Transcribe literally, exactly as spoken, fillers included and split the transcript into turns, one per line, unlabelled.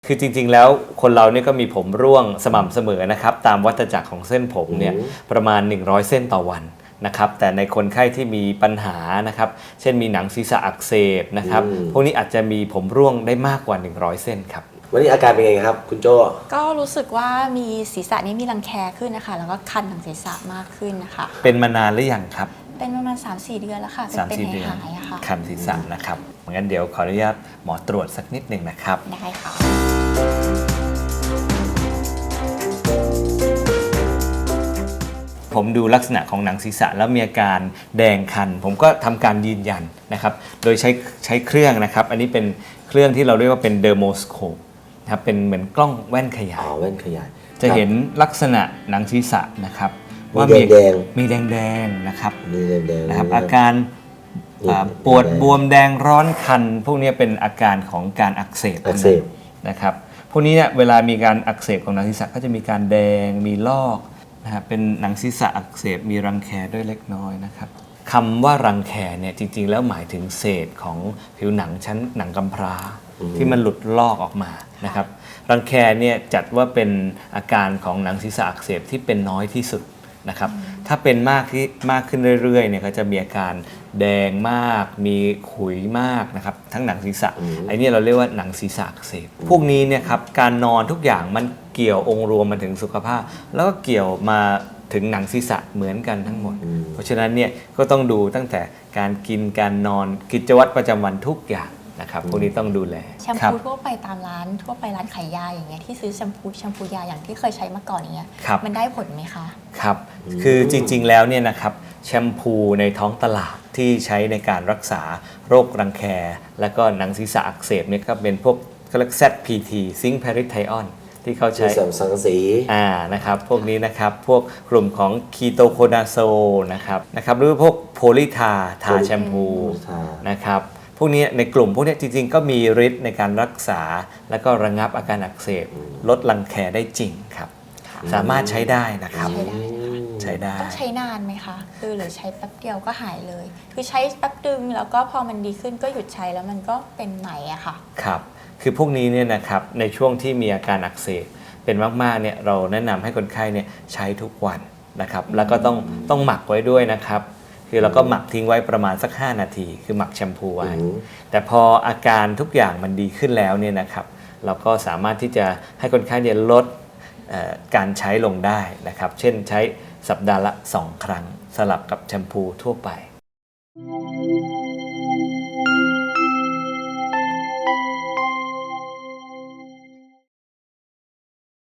คือจริงๆแล้วคนเราเนี่ยก็มีผมร่วงสม่ำเสมอนะครับตามวัฏจักรของเส้นผมเนี่ยประมาณหนึ่งร้อยเส้นต่อวันนะครับแต่ในคนไข้ที่มีปัญหานะครับเช่นมีหนังศีรษะอักเสบนะครับพวกนี้อาจจะมีผมร่วงได้มากกว่าหนึ่งร้อยเส้นครับ
วันนี้อาการเป็นไงครับคุณโจ้
ก็รู้สึกว่ามีศีรษะนี้มีรังแคขึ้นนะคะแล้วก็คันทางศีรษะมากขึ้นนะคะ
เป็นมานานหรือยังครับ
เป็นประมาณ สามสี่ เดือนแล้วค่ะ
สามสี่เดือน
หายๆอะค่ะ
คันศีรษะนะครับงั้นเดี๋ยวขออนุญาตหมอตรวจสักนิดหนึ่งนะครับ
ได้ค่ะ
ผมดูลักษณะของหนังศีรษะแล้วมีอาการแดงคันผมก็ทำการยืนยันนะครับโดยใช้ใช้เครื่องนะครับอันนี้เป็นเครื่องที่เราเรียกว่าเป็นเดอร์โมสโคปนะครับเป็นเหมือนกล้องแว่นขยาย
อ๋อแว่นขยาย
จะเห็นลักษณะหนังศีรษะนะครับ
ว่ามีแดง
มีแดงๆนะครับ
มีแดงๆ
นะครับอาการปวดบวมแดงร้อนคันพวกนี้เป็นอาการของการอักเสบ
อักเสบ
นะครับพวกนี้เนี่ยเวลามีการอักเสบของหนังศีรษะก็จะมีการแดงมีลอกนะครับเป็นหนังศีรษะอักเสบมีรังแคด้วยเล็กน้อยนะครับคำว่ารังแคเนี่ยจริงๆแล้วหมายถึงเศษของผิวหนังชั้นหนังกำพร้าที่มันหลุดลอกออกมานะครับรังแคเนี่ยจัดว่าเป็นอาการของหนังศีรษะอักเสบที่เป็นน้อยที่สุดนะครับถ้าเป็นมากที่มากขึ้นเรื่อยๆเนี่ยก็จะมีอาการแดงมากมีขุยมากนะครับทั้งหนังศีรษะไอ้นี่เราเรียกว่าหนังศีรษะอักเสบพวกนี้เนี่ยครับการนอนทุกอย่างมันเกี่ยวองค์รวมมาถึงสุขภาพแล้วก็เกี่ยวมาถึงหนังศีรษะเหมือนกันทั้งหมดเพราะฉะนั้นเนี่ยก็ต้องดูตั้งแต่การกินการนอนกิจวัตรประจำวันทุกอย่างนะครับพวกนี้ต้องดูแล
แชมพูทั่วไปตามร้านทั่วไปร้านขายยาอย่างเงี้ยที่ซื้อแชมพูแชมพูยาอย่างที่เคยใช้มาก่อนอย่างเงี้ยมันได้ผลไหมคะ
ครับคือจริงๆแล้วเนี่ยนะครับแชมพูในท้องตลาดที่ใช้ในการรักษาโรครังแคและก็หนังศีรษะอักเสบเนี่ยก็เป็นพวกเขาเรียก แซด พี ที ซิงค์แพริไทออนที่เขาใช้
สังกะสี
อ่านะครับพวกนี้นะครับพวกกลุ่มของคีโตโคนาโซนะครับนะครับหรือพวกโพลีทาทาแชมพูนะครับพวกนี้ในกลุ่มพวกนี้จริงๆก็มีฤทธิ์ในการรักษาและก็ระงับอาการอักเสบลดรังแคได้จริงครับสามารถใช้ได้นะครับใช้ได้
ต้องใช้นานไหมคะคือหรือใช้แป๊บเดียวก็หายเลยคือใช้แป๊บดึงแล้วก็พอมันดีขึ้นก็หยุดใช้แล้วมันก็เป็นใหม่อะค่ะ
ครับคือพวกนี้เนี่ยนะครับในช่วงที่มีอาการอักเสบเป็นมากๆเนี่ยเราแนะนำให้คนไข้เนี่ยใช้ทุกวันนะครับแล้วก็ต้องต้องหมักไว้ด้วยนะครับคือเราก็หมักทิ้งไว้ประมาณสักห้านาทีคือหมักแชมพูไว้แต่พออาการทุกอย่างมันดีขึ้นแล้วเนี่ยนะครับเราก็สามารถที่จะให้คนไข้เนี่ยลดการใช้ลงได้นะครับเช่นใช้สัปดาห์ละสองครั้งสลับกับแชมพูทั่วไป